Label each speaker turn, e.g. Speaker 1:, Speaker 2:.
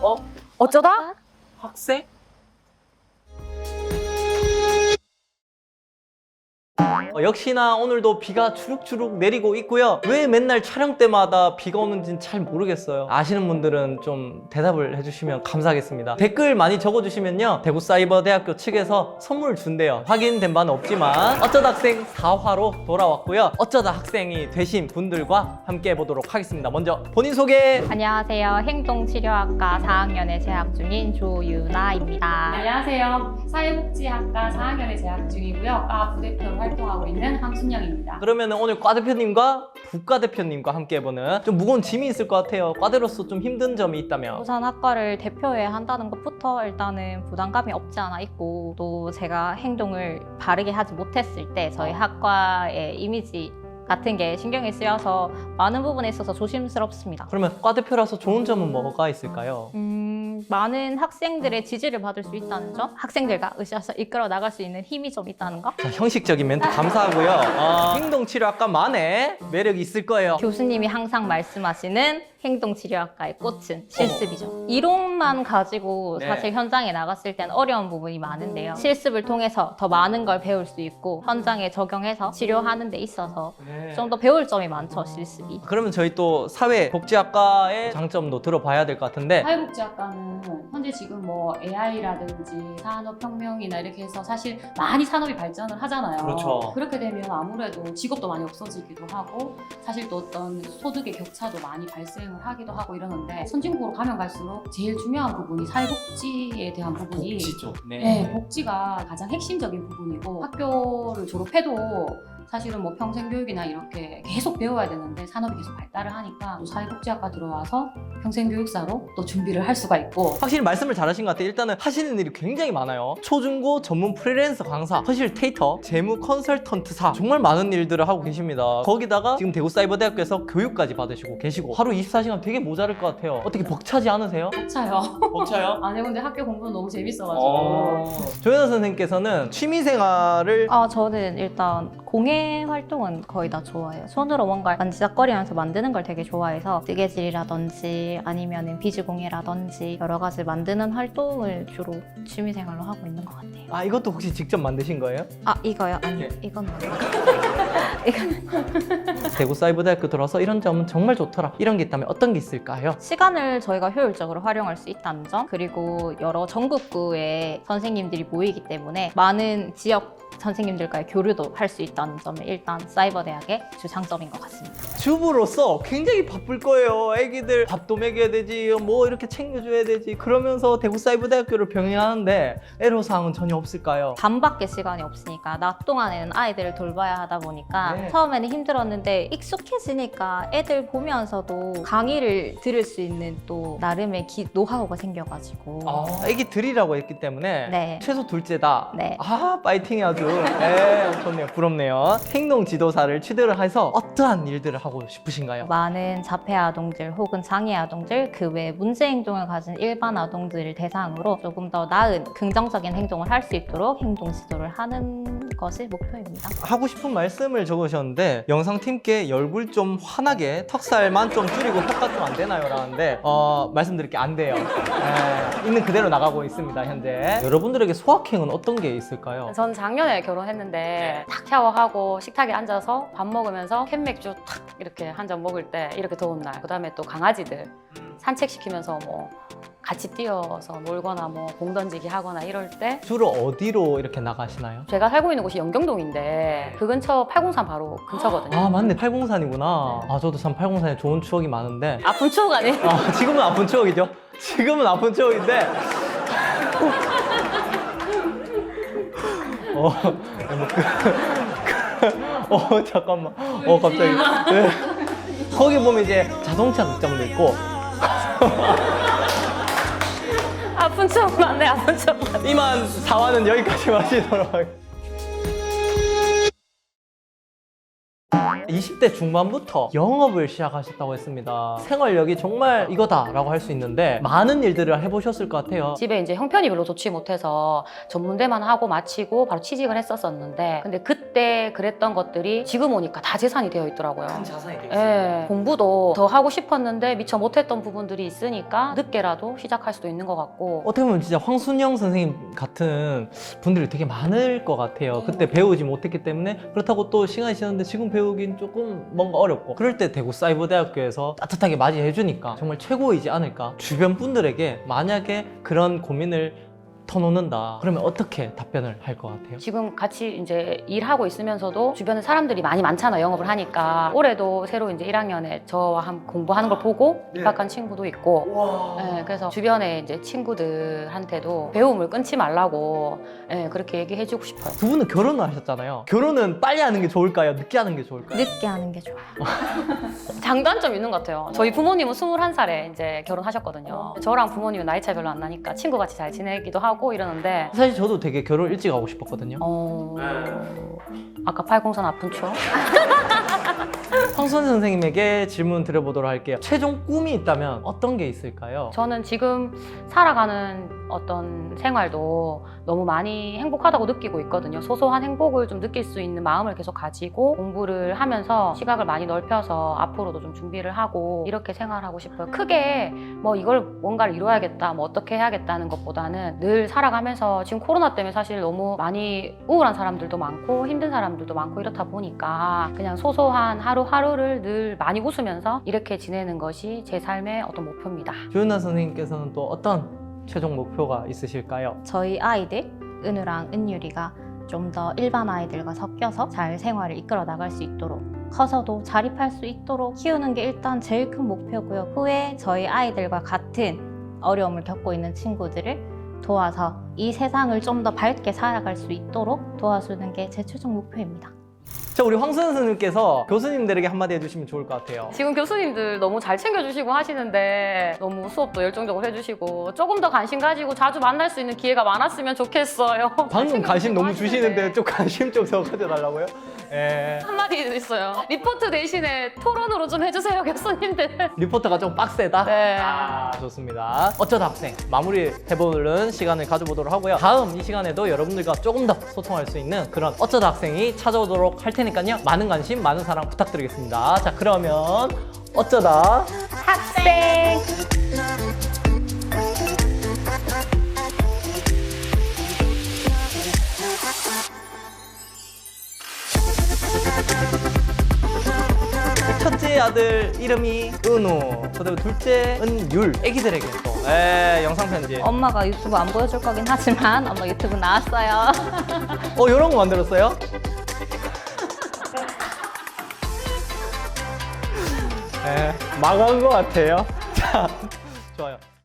Speaker 1: 어쩌다?
Speaker 2: 학생? 역시나 오늘도 비가 주룩주룩 내리고 있고요. 왜 맨날 촬영 때마다 비가 오는지는 잘 모르겠어요. 아시는 분들은 좀 대답을 해주시면 감사하겠습니다. 댓글 많이 적어주시면요, 대구사이버대학교 측에서 선물 준대요. 확인된 바는 없지만 어쩌다 학생 4화로 돌아왔고요. 어쩌다 학생이 되신 분들과 함께 해보도록 하겠습니다. 먼저 본인 소개.
Speaker 3: 안녕하세요. 행동치료학과 4학년에 재학 중인 조유나입니다.
Speaker 1: 안녕하세요. 사회복지학과 4학년에 재학 중이고요. 과 부대표로 활동하고 있는 황순영입니다.
Speaker 2: 그러면 오늘 과 대표님과 부과 대표님과 함께 해보는 좀 무거운 짐이 있을 것 같아요. 과대로서 좀 힘든 점이 있다면.
Speaker 3: 우선 학과를 대표해야 한다는 것부터 일단은 부담감이 없지 않아 있고, 또 제가 행동을 바르게 하지 못했을 때 저희 학과의 이미지 같은 게 신경이 쓰여서 많은 부분에 있어서 조심스럽습니다.
Speaker 2: 그러면 과 대표라서 좋은 점은 뭐가 있을까요?
Speaker 3: 많은 학생들의 지지를 받을 수 있다는 점, 학생들과 으쌰으쌰 이끌어 나갈 수 있는 힘이 좀 있다는 거.
Speaker 2: 자, 형식적인 멘트 감사하고요. 행동치료학과만의 매력이 있을 거예요.
Speaker 3: 교수님이 항상 말씀하시는 행동치료학과의 꽃은 실습이죠. 이론만 가지고
Speaker 2: 네.
Speaker 3: 사실 현장에 나갔을 땐 어려운 부분이 많은데요. 실습을 통해서 더 많은 걸 배울 수 있고 현장에 적용해서 치료하는 데 있어서 좀 더 배울 점이 많죠, 실습이.
Speaker 2: 그러면 저희 또 사회복지학과의 장점도 들어봐야 될 것 같은데,
Speaker 1: 사회복지학과는 현재 지금 뭐 AI라든지 산업혁명이나 이렇게 해서 사실 많이 산업이 발전을 하잖아요.
Speaker 2: 그렇죠.
Speaker 1: 그렇게 되면 아무래도 직업도 많이 없어지기도 하고 사실 또 어떤 소득의 격차도 많이 발생을 하기도 하고 이러는데, 선진국으로 가면 갈수록 제일 중요한 부분이 사회복지에 대한 부분이
Speaker 2: 복지죠.
Speaker 1: 네, 복지가 가장 핵심적인 부분이고, 학교를 졸업해도 사실은 뭐 평생교육이나 이렇게 계속 배워야 되는데 산업이 계속 발달을 하니까 또 사회복지학과 들어와서 평생교육사로 또 준비를 할 수가 있고.
Speaker 2: 확실히 말씀을 잘하신 것 같아요. 일단은 하시는 일이 굉장히 많아요. 초중고 전문 프리랜서 강사, 퍼실테이터, 재무 컨설턴트사, 정말 많은 일들을 하고 계십니다. 거기다가 지금 대구사이버대학교에서 교육까지 받으시고 계시고 하루 24시간 되게 모자랄 것 같아요. 어떻게 벅차지 않으세요?
Speaker 1: 벅차요.
Speaker 2: 벅차요?
Speaker 1: 아니 근데 학교 공부는 너무 재밌어가지고.
Speaker 2: 조연아 선생님께서는 취미생활을
Speaker 3: 저는 일단 공예 활동은 거의 다 좋아해요. 손으로 뭔가 만지작거리면서 만드는 걸 되게 좋아해서 뜨개질이라든지 아니면 비즈공예라든지 여러 가지 만드는 활동을 주로 취미생활로 하고 있는 것 같아요.
Speaker 2: 아, 이것도 혹시 직접 만드신 거예요?
Speaker 3: 아, 이거요? 아니,
Speaker 2: 네.
Speaker 3: 이건 뭐예요?
Speaker 2: 대구사이버대학교 들어서 이런 점은 정말 좋더라, 이런 게 있다면 어떤 게 있을까요?
Speaker 3: 시간을 저희가 효율적으로 활용할 수 있다는 점, 그리고 여러 전국구의 선생님들이 모이기 때문에 많은 지역 선생님들과의 교류도 할 수 있다는 점이 일단 사이버대학의 주 장점인 것 같습니다.
Speaker 2: 주부로서 굉장히 바쁠 거예요. 애기들 밥도 먹여야 되지, 뭐 이렇게 챙겨줘야 되지. 그러면서 대구사이버대학교를 병행하는데 애로사항은 전혀 없을까요?
Speaker 3: 밤밖에 시간이 없으니까 낮 동안에는 아이들을 돌봐야 하다 보니까
Speaker 2: 네.
Speaker 3: 처음에는 힘들었는데 익숙해지니까 애들 보면서도 강의를 들을 수 있는 또 나름의 노하우가 생겨가지고
Speaker 2: 애기들이라고 했기 때문에
Speaker 3: 네.
Speaker 2: 최소 둘째다.
Speaker 3: 네.
Speaker 2: 아, 파이팅이 아주 좋네요. 부럽네요. 행동 지도사를 취득을 해서 어떠한 일들을 하고 싶으신가요?
Speaker 3: 많은 자폐 아동들 혹은 장애 아동들, 그 외 문제 행동을 가진 일반 아동들을 대상으로 조금 더 나은 긍정적인 행동을 할 수 있도록 행동 지도를 하는 것이 목표입니다.
Speaker 2: 하고 싶은 말씀을 적으셨는데, 영상팀께 얼굴 좀 환하게 턱살만 좀 줄이고 효과 좀 안 되나요? 라는데 말씀드릴 게 안 돼요. 있는 그대로 나가고 있습니다, 현재. 여러분들에게 소확행은 어떤 게 있을까요?
Speaker 1: 전 작년에 결혼했는데 탁 샤워하고 식탁에 앉아서 밥 먹으면서 캔맥주 탁 이렇게 한 잔 먹을 때, 이렇게 더운 날, 그 다음에 또 강아지들 산책시키면서 뭐 같이 뛰어서 놀거나 뭐 공 던지기 하거나 이럴 때.
Speaker 2: 주로 어디로 이렇게 나가시나요?
Speaker 1: 제가 살고 있는 곳이 영경동인데 그 근처 803 바로 근처거든요.
Speaker 2: 아, 맞네. 803이구나. 아, 저도 참 803에 좋은 추억이 많은데,
Speaker 1: 아픈 추억 아니에요?
Speaker 2: 지금은 아픈 추억이죠. 지금은 아픈 추억인데 잠깐만. 갑자기. 네. 거기 보면 이제 자동차 극장도 있고,
Speaker 1: 아픈 추억 맞네, 아픈 추억.
Speaker 2: 이만 4화는 여기까지 마치도록 하겠습니다. 20대 중반부터 영업을 시작하셨다고 했습니다. 생활력이 정말 이거다라고 할 수 있는데 많은 일들을 해보셨을 것 같아요.
Speaker 1: 집에 이제 형편이 별로 좋지 못해서 전문대만 하고 마치고 바로 취직을 했었었는데 근데 그때 그랬던 것들이 지금 오니까 다 재산이 되어 있더라고요.
Speaker 2: 자산이
Speaker 1: 예, 공부도 더 하고 싶었는데 미처 못했던 부분들이 있으니까 늦게라도 시작할 수도 있는 것 같고
Speaker 2: 어떻게 보면 진짜 황순영 선생님 같은 분들이 되게 많을 것 같아요. 그때 배우지 못했기 때문에 그렇다고 또 시간이 지났는데 지금 배우긴 조금 뭔가 어렵고 그럴 때 대구 사이버대학교에서 따뜻하게 맞이해 주니까 정말 최고이지 않을까. 주변 분들에게 만약에 그런 고민을 터놓는다 그러면 어떻게 답변을 할 것 같아요?
Speaker 1: 지금 같이 이제 일하고 있으면서도 주변에 사람들이 많이 많잖아 영업을 하니까 올해도 새로 이제 1학년에 저와 함께 공부하는 걸 보고 입학한 친구도 있고 예, 그래서 주변에 이제 친구들한테도 배움을 끊지 말라고 예, 그렇게 얘기해주고 싶어요.
Speaker 2: 두 분은 결혼을 하셨잖아요. 결혼은 빨리 하는 게 좋을까요? 늦게 하는 게 좋을까요?
Speaker 3: 늦게 하는 게 좋아요.
Speaker 1: 장단점 있는 것 같아요. 저희 부모님은 21살에 이제 결혼하셨거든요. 저랑 부모님은 나이 차이 별로 안 나니까 친구같이 잘 지내기도 하고 이러는데
Speaker 2: 사실 저도 되게 결혼 일찍 하고 싶었거든요.
Speaker 1: 아까 팔공산 아픈 추억?
Speaker 2: 황선 선생님에게 질문 드려보도록 할게요. 최종 꿈이 있다면 어떤 게 있을까요?
Speaker 1: 저는 지금 살아가는 어떤 생활도 너무 많이 행복하다고 느끼고 있거든요. 소소한 행복을 좀 느낄 수 있는 마음을 계속 가지고 공부를 하면서 시각을 많이 넓혀서 앞으로도 좀 준비를 하고 이렇게 생활하고 싶어요. 크게 뭐 이걸 뭔가를 이뤄야겠다, 뭐 어떻게 해야겠다는 것보다는 늘 살아가면서 지금 코로나 때문에 사실 너무 많이 우울한 사람들도 많고 힘든 사람들도 많고 이렇다 보니까 그냥 소소한 하루하루를 늘 많이 웃으면서 이렇게 지내는 것이 제 삶의 어떤 목표입니다.
Speaker 2: 조윤아 선생님께서는 또 어떤 최종 목표가 있으실까요?
Speaker 3: 저희 아이들 은우랑 은유리가 좀 더 일반 아이들과 섞여서 잘 생활을 이끌어 나갈 수 있도록 커서도 자립할 수 있도록 키우는 게 일단 제일 큰 목표고요. 후에 저희 아이들과 같은 어려움을 겪고 있는 친구들을 도와서 이 세상을 좀 더 밝게 살아갈 수 있도록 도와주는 게 제 최종 목표입니다.
Speaker 2: 자, 우리 황선 선생님께서 교수님들에게 한마디 해주시면 좋을 것 같아요.
Speaker 1: 지금 교수님들 너무 잘 챙겨주시고 하시는데 너무 수업도 열정적으로 해주시고 조금 더 관심 가지고 자주 만날 수 있는 기회가 많았으면 좋겠어요.
Speaker 2: 방금 관심 너무 주시는데
Speaker 1: 하시는데.
Speaker 2: 좀 관심 좀 더 가져달라고요? 예.
Speaker 1: 한마디 있어요. 리포트 대신에 토론으로 좀 해주세요, 교수님들.
Speaker 2: 리포터가 좀 빡세다?
Speaker 1: 네.
Speaker 2: 아, 좋습니다. 어쩌다 학생 마무리 해보는 시간을 가져보도록 하고요. 다음 이 시간에도 여러분들과 조금 더 소통할 수 있는 그런 어쩌다 학생이 찾아오도록 할 테니까요. 많은 관심, 많은 사랑 부탁드리겠습니다. 자, 그러면 어쩌다
Speaker 1: 학생!
Speaker 2: 첫째 아들 이름이 은우, 그리고 둘째 은율. 애기들에게 또 영상 편지.
Speaker 3: 엄마가 유튜브 안 보여줄 거긴 하지만 엄마 유튜브 나왔어요.
Speaker 2: 이런 거 만들었어요? 네, 망한 것 같아요. 자, 좋아요.